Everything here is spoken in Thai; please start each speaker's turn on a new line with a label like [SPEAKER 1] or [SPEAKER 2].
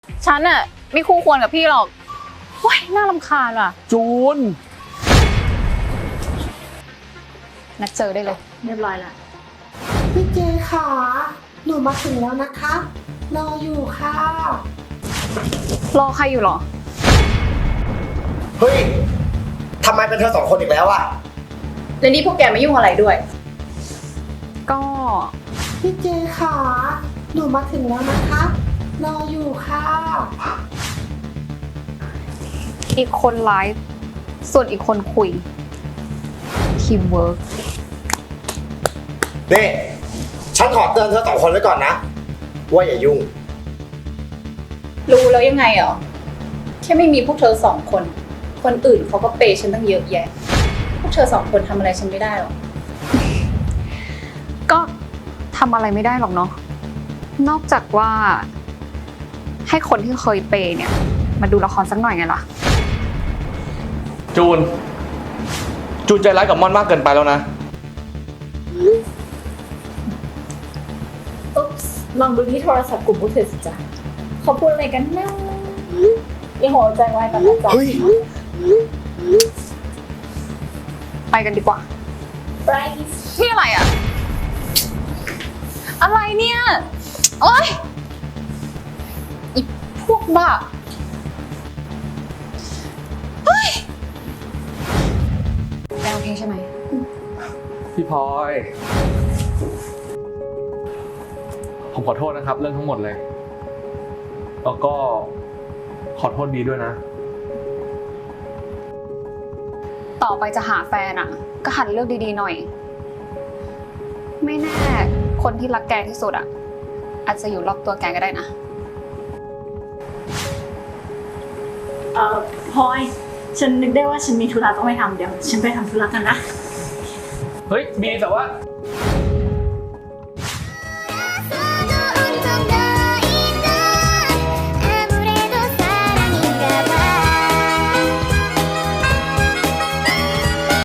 [SPEAKER 1] ฉันอะไม่คู่ควรกับพี่หรอกว้ายน่ารำคาญว่ะ
[SPEAKER 2] จูน
[SPEAKER 1] นัดเจอได้เลย
[SPEAKER 3] เรียบร้อยละ
[SPEAKER 4] พี่เจค่ะ หนูมาถึงแล้วนะคะ รออยู่ค่ะ
[SPEAKER 1] รอใครอยู่หรอ
[SPEAKER 5] เฮ้ย ทำไมเป็นเธอสองคนอีกแล้วอะ
[SPEAKER 3] แล้วนี่พวกแกมายุ่งอะไรด้วย
[SPEAKER 1] ก็
[SPEAKER 4] พี่เจค่ะ หนูมาถึงแล้วนะคะ รออยู่ค่ะ
[SPEAKER 1] อีกคนไลฟ์ส่วนอีกคนคุยทีมเวิร์ก
[SPEAKER 5] นี่ ฉันขอเตือนเธอสองคนไว้ก่อนนะ ว่าอย่ายุ่ง
[SPEAKER 3] รู้แล้วยังไงเหรอ แค่ไม่มีพวกเธอสองคน คนอื่นเขาก็เปย์ฉันตั้งเยอะแยะ พวกเธอสองคนทำอะไรฉันไม่ได้หรอก
[SPEAKER 1] ก็ทำอะไรไม่ได้หรอกเนาะนอกจากว่า ให้คนที่เคยเปย์เนี่ย มาดูละครสักหน่อยไงล่ะ
[SPEAKER 2] จูนใจร้ายกับม่อนมากเกินไปแล้วนะ
[SPEAKER 3] อุ๊บลองดูที่โทรศัพท์กลุ่มพวกเธอสิจ๊ะเขาพูดอะไรกันนะอย่าหัวใจวายกันนะจ๊ะ
[SPEAKER 5] เฮ้ย
[SPEAKER 1] ไปกันดีกว่า
[SPEAKER 3] ไป
[SPEAKER 1] นี่อะไรอะอะไรเนี่ยโอ๊ยอีพวกบ้าเฮ้ยแกโอเคใช่ไหม
[SPEAKER 2] พี่พลอย ผมขอโทษนะครับ เรื่องทั้งหมดเลย แล้วก็ขอโทษบีด้วยนะ
[SPEAKER 1] ต่อไปจะหาแฟนอะก็หัดเลือกดีๆหน่อย ไม่แน่คนที่รักแกที่สุดอะอาจจะอยู่รอบตัวแกก็ได้นะ
[SPEAKER 3] พลอย ฉันนึกได้ว่าฉันมีธุระต้องไปทำเดี๋ยว ฉันไปทำธุระกันนะ
[SPEAKER 2] เฮ้ยบีแต่ว่า